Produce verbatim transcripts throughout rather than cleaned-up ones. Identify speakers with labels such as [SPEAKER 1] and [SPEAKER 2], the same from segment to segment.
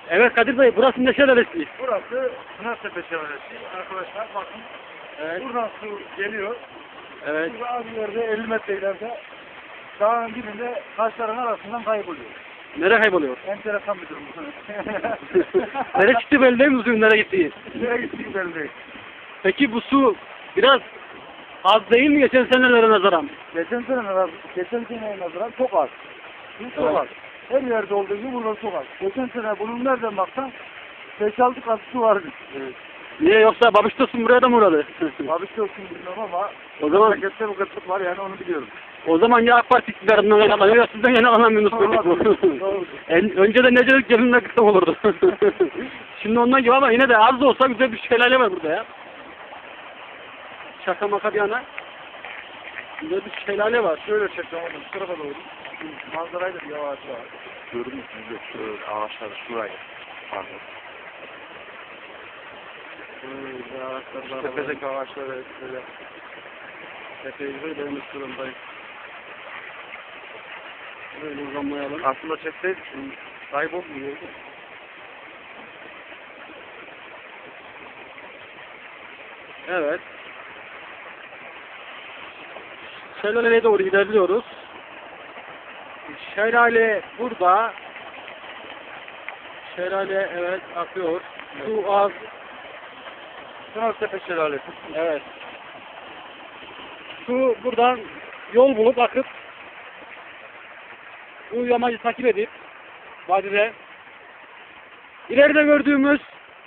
[SPEAKER 1] Evet Kadir Bey, burası ne şelalesi?
[SPEAKER 2] Burası Pınartepe Şelalesi. Arkadaşlar bakın.
[SPEAKER 1] Evet.
[SPEAKER 2] Buradan su geliyor.
[SPEAKER 1] Evet.
[SPEAKER 2] Burada az ileride elli metre ileride dağın dibinde taşların arasından kayboluyor.
[SPEAKER 1] Nereye kayboluyor?
[SPEAKER 2] Enteresan bir durum.
[SPEAKER 1] Nereye gitti belli değil mi bu suyun nereye gittiği?
[SPEAKER 2] Nereye gittiği belli değil.
[SPEAKER 1] Peki bu su biraz az değil mi geçen senelere nazaran?
[SPEAKER 2] Geçen sene nazaran, geçen seneye nazaran çok az. Su çok
[SPEAKER 1] Evet.
[SPEAKER 2] az. Her yerde olduğu gibi burada çok az. Geçen sene bunun nereden baksan beş altı kat su vardı.
[SPEAKER 1] Evet. Niye yoksa Babiştosun buraya da mı uğradı?
[SPEAKER 2] Abi çok bilmiyorum ama
[SPEAKER 1] O zaman-
[SPEAKER 2] memlekette bu kıtlık var yani onu biliyorum.
[SPEAKER 1] O zaman ya AK Parti iktidarından yakalanıyor ya sizden yakalanamıyorsunuz.
[SPEAKER 2] Doğrudur, doğrudur.
[SPEAKER 1] En, önceden Necelik gelinle kısa olurdu. Şimdi ondan gibi ama yine de az da olsa güzel bir şelale var burada ya. Şaka maka bir yana. Güzel bir şelale var.
[SPEAKER 2] Şöyle çekeceğim onu şu tarafa doğru. Manzarayı da bir yavaş var.
[SPEAKER 3] Gördün mü? Şu ağaçlar şuraya. Pardon.
[SPEAKER 1] Böyle ağaçlar var.
[SPEAKER 2] Tepedeki ağaçları böyle.
[SPEAKER 1] Tepeyi böyle dönmüş durumdayız. Böyle uzanmayalım.
[SPEAKER 2] Aslında çekseydik şimdi kaybolmuyor.
[SPEAKER 1] Evet. Şelaleye doğru ilerliyoruz. Şelale burada. Şelale evet akıyor. Su az.
[SPEAKER 2] Pınartepe Şelalesi.
[SPEAKER 1] Evet. Su buradan yol bulup akıp bu yamacı takip edip vadide ileride gördüğümüz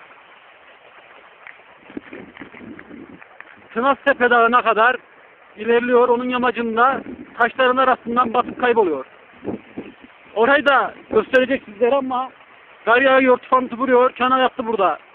[SPEAKER 1] Tınaztepe Dağı'na kadar ilerliyor. Onun yamacında taşların arasından batıp kayboluyor. Orayı da gösterecek sizlere ama kar yağıyor, tufansı vuruyor. Çana yattı burada.